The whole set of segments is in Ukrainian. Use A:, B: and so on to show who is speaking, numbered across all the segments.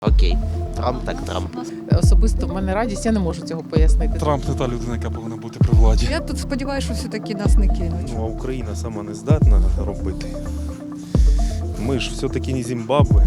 A: Окей, Трамп так Трамп.
B: Особисто в мене радість, я не можу цього пояснити.
C: Трамп не та людина, яка повинна бути при владі.
D: Я тут сподіваюся, що все-таки нас не кинуть.
E: Ну, а Україна сама не здатна робити. Ми ж все-таки не Зімбабве.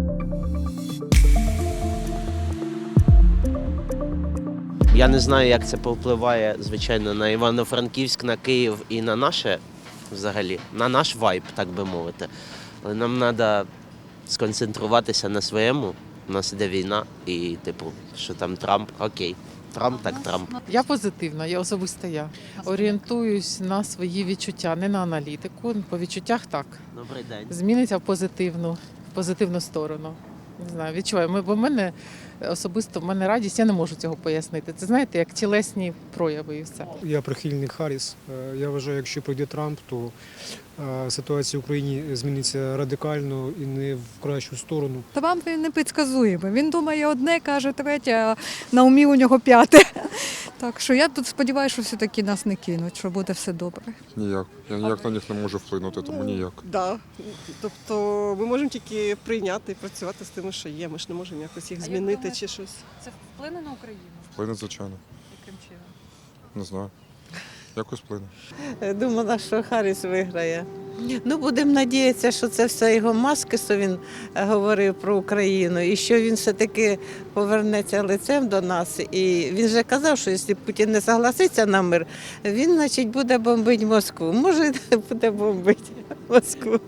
A: Я не знаю, як це повпливає, звичайно, на Івано-Франківськ, на Київ і на наше, взагалі, на наш вайб, так би мовити. Але нам треба сконцентруватися на своєму. У нас іде війна і, що там Трамп, окей. Трамп так Трамп.
B: Я позитивна, я особисто я. Орієнтуюсь на свої відчуття, не на аналітику. По відчуттях так.
A: Добрий день.
B: Зміниться в позитивну сторону. Не знаю, відчуваю. Бо в мене особисто в мене радість, я не можу цього пояснити. Це, знаєте, як тілесні прояви і все.
F: Я прихильник Харріс. Я вважаю, якщо прийде Трамп, то ситуація в Україні зміниться радикально і не в кращу сторону.
D: Трамп він непредсказуємий. Він думає одне, каже третє, а на умі у нього п'яте. Так що я тут сподіваюся, що все-таки нас не кинуть, що буде все добре.
G: Ніяк. Я ніяк на них не можу вплинути, тому ніяк.
H: Так. Тобто ми можемо тільки прийняти і працювати з тим, що є. Ми ж не можемо якось їх змінити чи щось.
I: Це вплине на Україну?
G: Вплине, звичайно.
I: Яким чином?
G: Не знаю. Якось вплине.
J: Думала, що Харріс виграє. Ну, будемо надіятися, що це все його маски, що він говорив про Україну, і що він все-таки повернеться лицем до нас. І він же казав, що якщо Путін не согласиться на мир, він, значить, буде бомбити Москву. Може, буде бомбити Москву.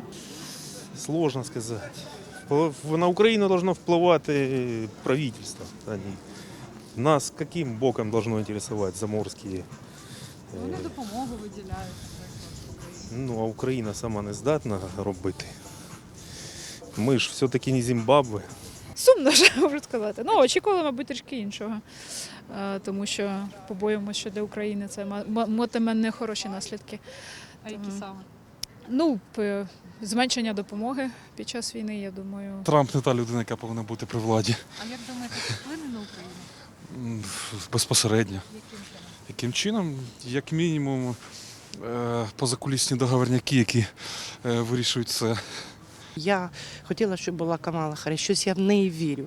E: Сложно сказати. На Україну должно впливати правительство. Нас яким боком должно інтересувати заморські?
I: Вони допомогу виділяють.
E: Ну, а Україна сама не здатна робити. Ми ж все-таки не Зімбабве.
K: Сумно, що можу сказати. Ну, очікували, мабуть, трішки іншого. Тому що побоюємося, що для України це матиме нехороші наслідки.
I: А які саме?
K: Ну, зменшення допомоги під час війни, я думаю.
C: Трамп не та людина, яка повинна бути при владі.
I: А як думаєте, це вплине на Україну?
C: Безпосередньо.
I: Яким чином?
C: Яким чином? Як мінімум, позакулісні договорняки, які вирішують це.
J: Я хотіла, щоб була Камала Харріс. Щось я в неї вірю.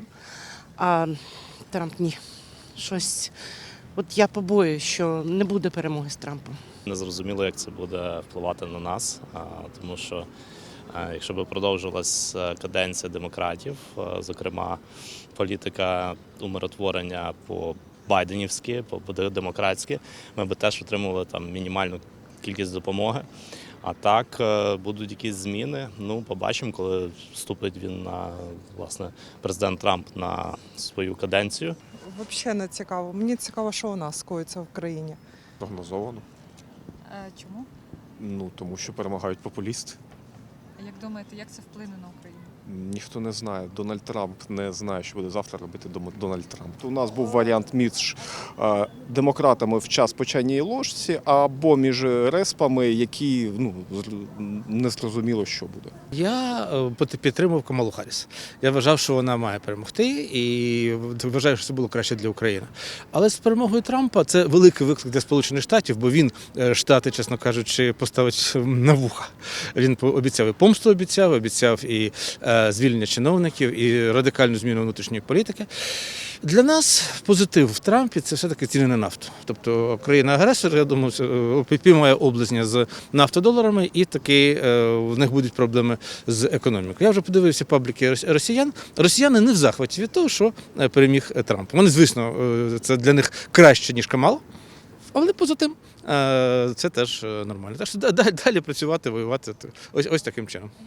J: А Трамп ні. Щось. От я побоююсь, що не буде перемоги з Трампом.
L: Не зрозуміло, як це буде впливати на нас, тому що якщо б продовжилась каденція демократів, зокрема політика умиротворення по байденівськи, по демократськи, ми б теж отримували там мінімальну кількість допомоги. А так будуть якісь зміни. Ну, побачимо, коли вступить він на, власне, президент Трамп на свою каденцію.
H: Взагалі не цікаво. Мені цікаво, що у нас коїться в країні.
G: Прогнозовано.
I: Чому?
G: Ну, тому що перемагають популісти.
I: А як думаєте, як це вплине на Україну?
G: Ніхто не знає. Дональд Трамп не знає, що буде завтра робити Дональд Трамп. У нас був варіант між демократами в час по чайній ложці або між респами, які не зрозуміло, що буде.
M: Я підтримував Камалу Харріс. Я вважав, що вона має перемогти, і вважаю, що це було краще для України. Але з перемогою Трампа це великий виклик для Сполучених Штатів, бо він Штати, чесно кажучи, поставить на вуха. Він обіцяв і помсту, обіцяв і звільнення чиновників, і радикальну зміну внутрішньої політики. Для нас позитив в Трампі – це все-таки ціни на нафту. Тобто країна-агресор, я думаю, підпіймає облизня з нафтодоларами, і таки в них будуть проблеми з економікою. Я вже подивився пабліки росіян. Росіяни не в захваті від того, що переміг Трамп. Вони, звісно, це для них краще, ніж Камала, але поза тим це теж нормально. Так що далі працювати, воювати ось таким чином.